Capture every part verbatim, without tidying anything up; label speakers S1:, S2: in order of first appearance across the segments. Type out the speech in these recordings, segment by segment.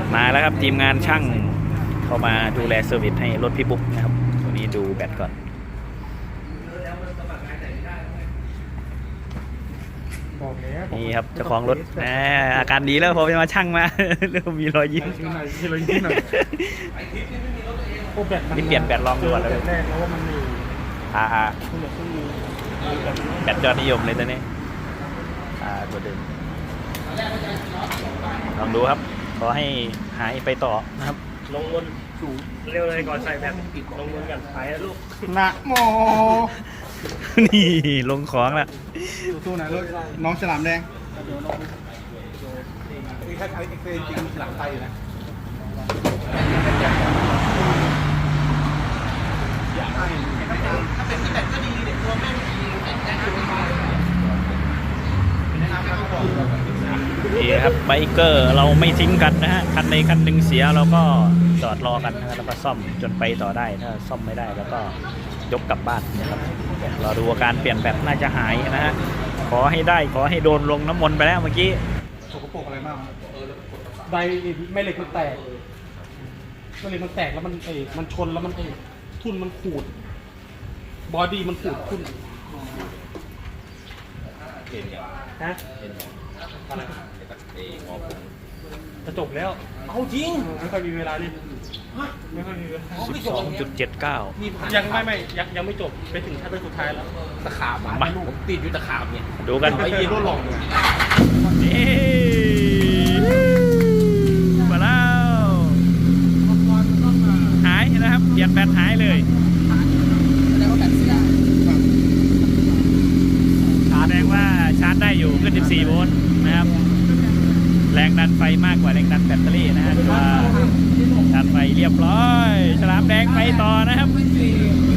S1: มาแล้วครับทีมงานช่างเข้ามาดูแลเซอร์วิสให้รถพี่บุ๊กนะครับวันนี้ดูแบตก่อนนี่ครับเจ้าของรถแหมอาการดีแล้วพอไปมาช่างมาเริ่มมีรอยยิ้มนี่เปลี่ยนแบตลองดูก่อนเลยแรกแล้วว่ามันมีอ่าแบตยอดนิยมเลยตอนนี้อ่าตัวเดิมลองดูครับขอให้หายไปต่อนะครับ
S2: ลงบนสูงเร็วเลยก่อนใส่แบบปิดลงบนกันหายแล้วลูก
S3: นะโม
S1: นี่ลงของละ
S3: สู้ๆนะลูกน้องฉลามแดงนี่ถ้าใช้เอ็กเซจริงฉลามไทยอยู่นะถ้าเป็นที่แบบก็ดีเด็กตัวแม่ดีแต่งตัวมา
S1: นี่ครับไบเกอร์เราไม่ทิ้งกันนะฮะคันใดคันหนึ่งเสียเราก็จอดรอกันนะแล้วก็ซ่อมจนไปต่อได้ถ้าซ่อมไม่ได้แล้วก็ยกกลับบ้านนะครับรอดูอาการเปลี่ยนแบตน่าจะหายนะฮะขอให้ได้ขอให้โดนลงน้ำมนต์ไปแล้วเมื่อกี้
S3: สกปรกอะไรบ้าง
S2: ใบไม่เหล็กมันแตกไม่เหล็กมันแตกแล้วมันเอมันชนแล้วมันเอทุ่นมันขูดบอดี้มันขูดทุ่นฮะจะจบแล้วเอาจริงไม่ค่อยมีเวลาเลยไม่ค่อยมีเวลา
S1: สิบสองจุดเจ็ดเก้า
S2: ยังไม่ไม่ยังยังไม่จบไปถึงชั้นสุดท้ายแล้ว
S3: ตะขาบมาผมติดอยู่ตะขาบเนี่ย
S1: ดูกัน
S3: ไอ้ยีโร่หลอกเนี่ย
S1: นี่มาแล้วหายนะครับเปลี่ยนแบตหายเลยแสดงว่าชาร์จได้อยู่ขึ้นสิบสี่โวลต์นะครับแรงดันไฟมากกว่าแรงดันแบตเตอรี่นะฮะตัวดันไฟเรียบร้อยฉลามแดงไปต่อนะครับ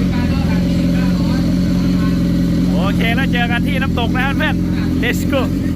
S1: โอเคแล้วเจอกันที่น้ำตกนะครับเพื่อน let's go